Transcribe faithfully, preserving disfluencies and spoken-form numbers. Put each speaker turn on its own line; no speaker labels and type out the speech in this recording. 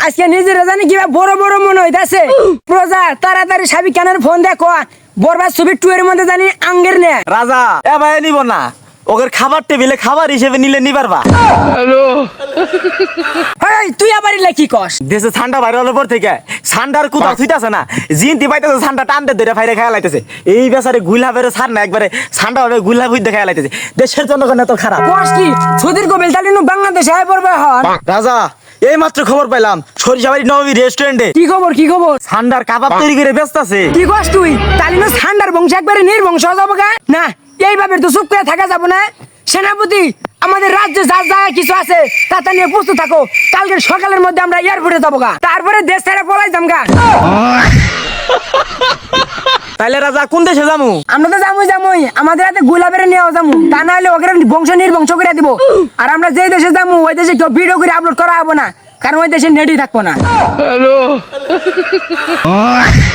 আজকে নিজেরা জানি কিবা বড় বড় মনে হইতাছে প্রজা তাড়াতাড়ি সাবি কেনার ফোন দেখো বরবাদ ছবি টু এর মধ্যে জানি আঙ্গের নে
রাজা এ ভাই নিব না ওদের খাবার টেবিলে খাবার হিসেবে নিলে নিবারবা
এই তুই আবার ইলা কি কস
দেশে ঠান্ডা বাইরে হলে পর থেকে ঠান্ডার কুতা থুইতাছে না জিনতি পাইতেছে ঠান্ডা টানতে ধরে ফাইরে খাইয়া লাইতেছে এই বেচারে গুলা বেরো ছাড় না একবারে ঠান্ডা ভাবে গুলা ভুইতে খাইয়া লাইতেছে দেশের জনগণ এত খারাপ
কস কি সৌদির কবিল তালিনু বাংলাদেশে আয় পড়বে হন
রাজা এই মাত্র খবর পাইলাম সরিষাবাড়ি নবী রেস্টুরেন্টে
কি খবর কি খবর
ঠান্ডার কাবাব তৈরি করে ব্যস্ত আছে
কি কস তুই তালিনু ঠান্ডার বংশ একবারে নির্বংশ যাবো গা না এইভাবে তো চুপ করে থাকা যাবো না সেনাপতি আমাদের রাজ্যে যা যা কিছু আছে তা নিয়ে প্রস্তুত থাকো কালকে সকালের মধ্যে আমরা এয়ারপোর্টে যাবো গা তারপরে দেশ ছেড়ে পলাই যাম গা
তাইলে রাজা কোন দেশে যামু
আমরা তো যামুই যামুই আমাদের হাতে গোলাপেরে নিয়েও যামু তা না হলে ওকে বংশ নির্বংশ করে দিব আর আমরা যে দেশে যামু ওই দেশে কেউ ভিডিও করে আপলোড করা হবো না কারণ ওই দেশে নেটই থাকবো না